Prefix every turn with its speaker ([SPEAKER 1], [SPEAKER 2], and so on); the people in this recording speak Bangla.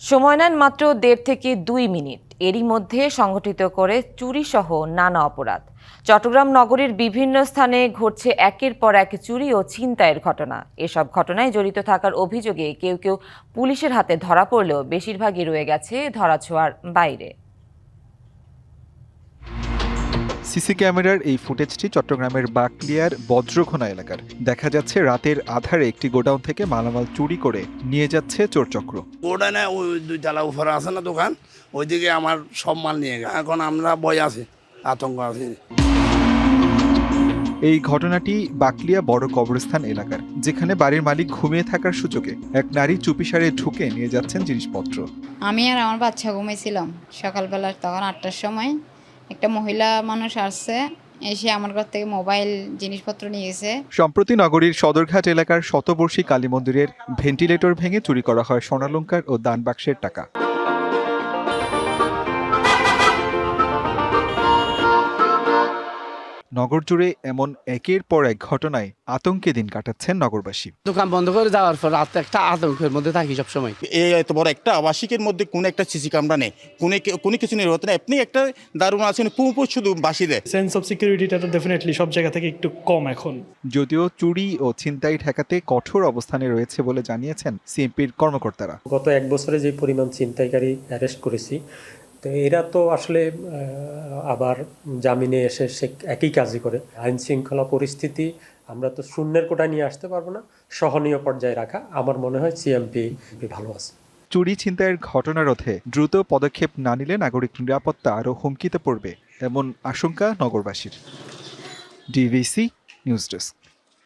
[SPEAKER 1] সময় নেন মাত্র ১.৫ থেকে ২ মিনিট। এরই মধ্যে সংগঠিত করে চুরিসহ নানা অপরাধ। চট্টগ্রাম নগরীর বিভিন্ন স্থানে ঘটছে একের পর এক চুরি ও ছিনতাইয়ের ঘটনা। এসব ঘটনায় জড়িত থাকার অভিযোগে কেউ কেউ পুলিশের হাতে ধরা পড়লেও বেশিরভাগই রয়ে গেছে ধরাছোঁয়ার বাইরে।
[SPEAKER 2] সিসি ক্যামেরার এই ফুটেজটি চট্টগ্রামের বাকলিয়ার বজ্রখোনা এলাকার। দেখা যাচ্ছে রাতের আধারে একটি গোডাউন থেকে মালামাল চুরি করে নিয়ে যাচ্ছে চোরচক্র।
[SPEAKER 3] গোডাউনে ওই ২ তলা উপরে আছে না দোকান, ওইদিকে আমার সব মাল নিয়ে গেছে। এখন আমরা ভয় আছে, আতঙ্ক আছে।
[SPEAKER 2] এই ঘটনাটি বাকলিয়া বড় কবরস্থান এলাকার, যেখানে বাড়ির মালিক ঘুমিয়ে থাকার সুযোগে এক নারী চুপিসারে ঢুকে নিয়ে যাচ্ছেন জিনিসপত্র।
[SPEAKER 4] আমি আর আমার বাচ্চা ঘুমিয়েছিলাম সকালবেলা, তখন ৮টার সময় একটা মহিলা মানুষ আসছে, এসে আমার ঘর থেকে মোবাইল জিনিসপত্র নিয়ে গেছে।
[SPEAKER 2] সম্প্রতি নগরীর সদরঘাট এলাকার শতবর্ষী কালী মন্দিরের ভেন্টিলেটর ভেঙে চুরি করা হয় স্বর্ণালংকার ও দান বাক্সের টাকা। নগর জুড়ে এমন একের পর এক ঘটনায় আতঙ্কে দিন কাটাচ্ছেন নগরবাসী।
[SPEAKER 5] দোকান বন্ধ করে যাওয়ার পর রাত একটা আতঙ্কের মধ্যে থাকি সবসময়।
[SPEAKER 6] এই এত বড় একটা আবাসিকের মধ্যে কোনো একটা সিসি ক্যামেরা নেই, কোনো কিছু নেই, হতে না আপনি একটা দারুণ আছেন, পুরো শুধু বাসি দেয়।
[SPEAKER 7] সেন্স অফ সিকিউরিটিটা তো ডেফিনেটলি সব জায়গা থেকে একটু কম এখন।
[SPEAKER 2] যদিও চুরি ও ছিনতাই ঠেকাতে কঠোর অবস্থানে রয়েছে বলে জানিয়েছেন সিএমপির কর্মকর্তারা।
[SPEAKER 8] গত ১ বছরে যে পরিমাণ ছিনতাইকারী অ্যারেস্ট করেছি, তো এরা তো আসলে আবার জামিনে এসে সে একই কাজই করে। আইন শৃঙ্খলা পরিস্থিতি আমরা তো শূন্যের কোটায় নিয়ে আসতে পারবো না, সহনীয় পর্যায়ে রাখা আমার মনে হয় সিএমপি ভালো আছে।
[SPEAKER 2] চুরি ছিনতাইয়ের ঘটনা রোধে দ্রুত পদক্ষেপ না নিলে নাগরিক নিরাপত্তা আরও হুমকিতে পড়বে এমন আশঙ্কা নগরবাসীর। DVC news desk.